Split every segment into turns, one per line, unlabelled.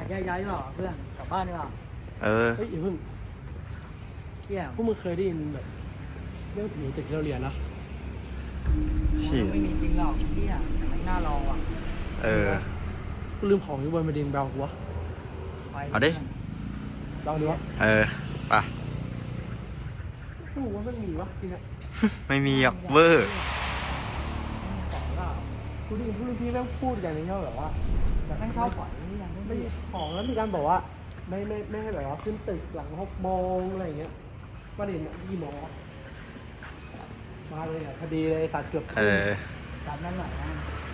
แยกย้ายดีกว่าเพื่อนกลับบ้านดีกว่า
เออ
เฮ้ยอย่าเพิ่ง
เที่ยง
พวกมึงเคยได้ยินแบบเรื่องผีตึกที่เราเรียนนะ
เชี่ย
ไม่มีจริงหรอกเที่ยแต่มันน่าลองว่ะ
เออ
กูลืมของอยู่บนมาดิงแบลกูวะ
ไป
เอาดิ
ลองดูวะ
เออไป
กูว่ามันมีวะทีเนี้ย
ไม่มีหรอกเวอร์
ของก็
กูได้ยินพี่แม่งพูดกันในเรื่องแบบว่า
แต่ท่านชอบปล่อยนี่ยัง
ไม่
ไม่
ของแล้วมีการบอกว่าไม่ให้แบบว่าขึ้นตึกหลัง6 โมงอะไรอย่างเงี้ยประเด็นเนี่ยกี่โมงวะมาเลยอ่ะคดีเลยสัตว์เกือบ
เออ
ตามนั้นหน่อยนะ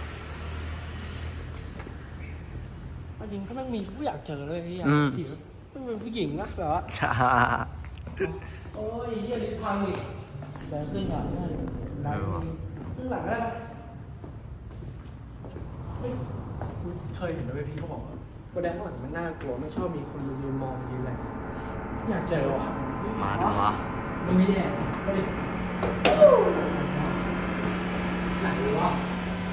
จริงถ้าแม่งมีกูอยากเจอเลยไอ้เหี้ย
อืม
ผีมันเป็นผู้หญิงนะแบบว่า
ช้า
โอ้ยเหี้ยลิ้นพังอีก
เดินขึ้นก่อนเพื่อนได้
เออว่ะ
ขึ้นหลังได้ปะเฮ้ยกูเคยเห็นนะเว้ยพี่เขาบอกว่าบนแดงข้างหลังมันน่ากลัวไม่ชอบมีคนยืนมองยืนอะไรอยากเจอว่ะ
มาดูวะ
มึงไม่ได้
มาดิไหนวะ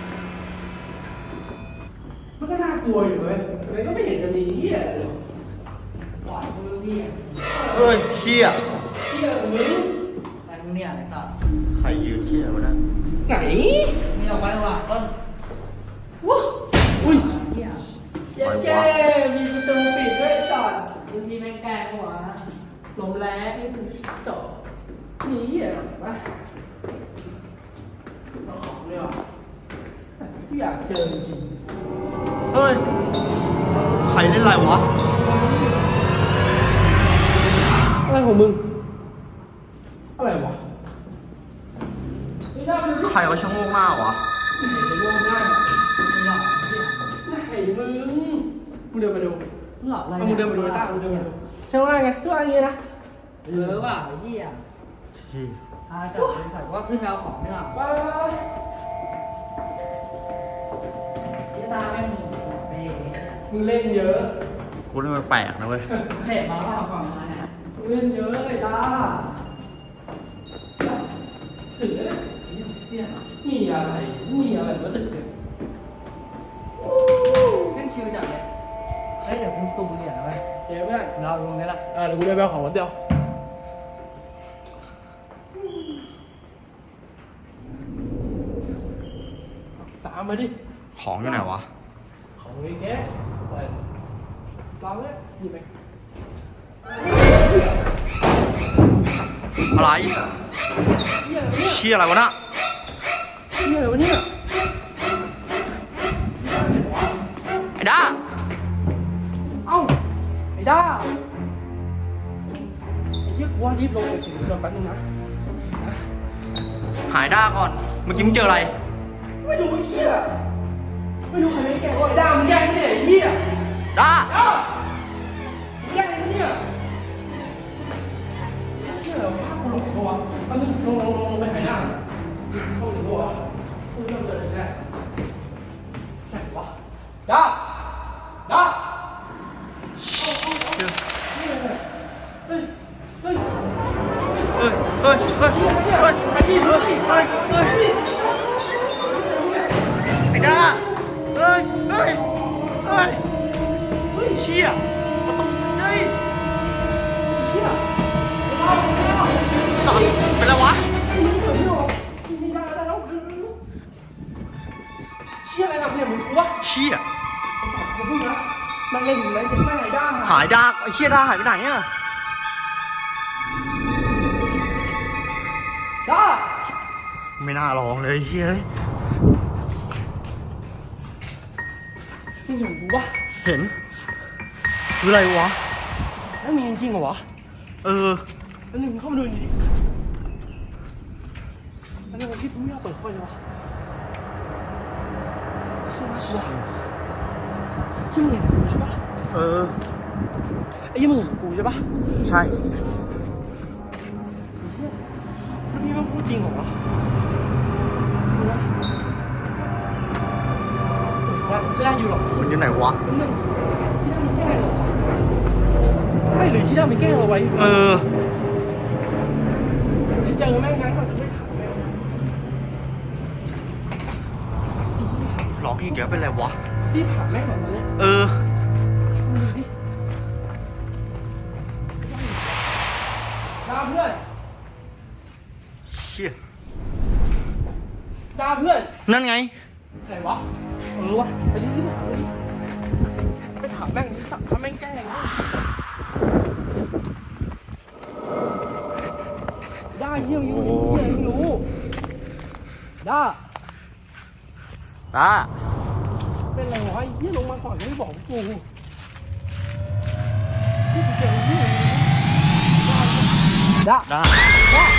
มันก็น่ากลัวอยู่เว้ยแต่ก็ไม่เห็นจะมีเหี้ยอะไรเลย
ปล่อยมึงพี่
เฮ้ยเชี่ย
เหี้ยของมึง
แต่มึงเนี่ยไอ้สัตว์
ใครยืนเชี่ยวะนะ
ไหน
มีออกไปว่ะต้น
วะอุ้ย
เที่ย
เจ๊มีประตูปิดด้วยจอด
มึงมีแม่งแกล้งหัวนะ
ลมแรงนี่มันต่อหนีอ่ะไปเอาของเลยว่ะที่อยากเจอจริง
เฮ้ย ใครเล่นอะไรวะ
อะไรของมึง อะไรวะไม่ได้มัน
ใครเขาชะโงกหน้าวะ
เห็นจะร่วงหน้า
ไม่หรอกเที่ย
ไหนมึงเดินมาดู
มึงหลอกอะไร
เอามึงเดินมาดูไอ้ต้ามึงเดินมาดูใช่ไหมไงทุกอันอย่างงี้นะ
เออว่ะไอ้เหี้ย
ชี่
จัดบริษัทว่าขึ้นเอาของเนี่ย
ไป
ที่ตาแม่งมีเบ้
มึงเล่นเยอะ
กูนี่มันแปลกนะเว้ย
เสพมาเปล่าก่อนมาเนี่ย
มึงเล่นเยอะไอ้ตาถึงแล้ว
เสี่ยง
มีอะไรมาตึกเนี่ย
แม่งชิวจัดเลยเฮ้ยเดี๋ยวกูซูมเหรียญเอาไว้
เดี๋ยวเพื่อน
เราตรงนี้ละ
เดี๋ยวกูเดินไปเอาของคนเดียวตามมาดิ
ของอยู่ไหนวะ
ของไอ้แกเปิดเราเนี่ยหยิบไป
อะไร
เหี้ยอะไรวะเนี่ย
เชี่ยอะไรวะน่ะ
เหี้ยอะไรวะเนี่ย
ไอ้ด้า
เอ้าไอ้ด้าไอ้เหี้ยกูว่ารีบลงไปถึงเรือแป๊บนึงนะ
หายด้าก่อน เมื่อกี้มึงเจออะไร
ไม่รู้ไอ้เหี้ยไม่รู้ใครไม่แกล้งว่าไอ้ด้ามึงแกล้งไม่ได้ไอ้เหี้ย
ด้า
ด้ามึงแกล้งอะไรวะเนี่ยเชี่ยเหรอภาพกูลงอีกปะวะอันนึงลงไปหายด้าเข้าถึงปะวะกูเริ่มเดินแน่ไหนวะด้าด้า เฮ้ย เฮ้ย
เฮ้ย เฮ้ย เฮ้ย เฮ้ย
ไปดิเฮ้ย
เฮ้ย เฮ้ย ไอ้ด้า เฮ้ย เฮ้ย เฮ้ย เฮ้ยเชี่ยประตูเฮ้ย
เชี่ย
สัตว์เป็นไรวะ
นี่ได้แล้วเชี่ยอะไรนะเนี่ยมึงกูวะ
เชี่ย
มึงพูดนะมันเล่นอยู่แล้วยังไม่หายด้า
หายด้าไอ้เชี่ยด้าหายไปไหนอะ
ด้า
ไม่น่าลองเลยเฮ้ย
มึงเห็นกูวะ
เห็นคืออะไรวะ
แล้วมีจริงเหรอวะ
เออ
แล้วนึงเข้ามาดูดิแล้วนึงที่ไม่เอาเปิดค่อยเลยวะเชี่ยน่ากลัวที่มึงเห็นกูใช่ปะ
เออ
ไอ้ยี่มึงเห็นกูใช่ปะ
ใช่
แล้วพี่มันพูดจริงเหรอวะไม่ได้อยู่หรอก
มันอยู่ไหนวะ
แป๊บนึงที่ด้ามีแกล้งเหรอวะไม่หรือที่ด้ามีแกล้งเราไว้
เออ
เดี๋ยวเจอแม่งงั้นเราจะไม่ถามแม่ง
ร้องอีกแล้วเป็นไรวะ
พี่ถามแม่งก่อนตอนนี้
เออ
ไ
นั่นไง
ไหนวะวะไปดิไปถามแม่งดิสักถ้าแม่งแกล้งได้เยี่ยมอยู่เยี่ยมรู้ได้
ตา
เป็นไรวะเยี่ยลงมาก่อนไม่บอกกูที่กูเจอเยี่ยได้
ได้
ได้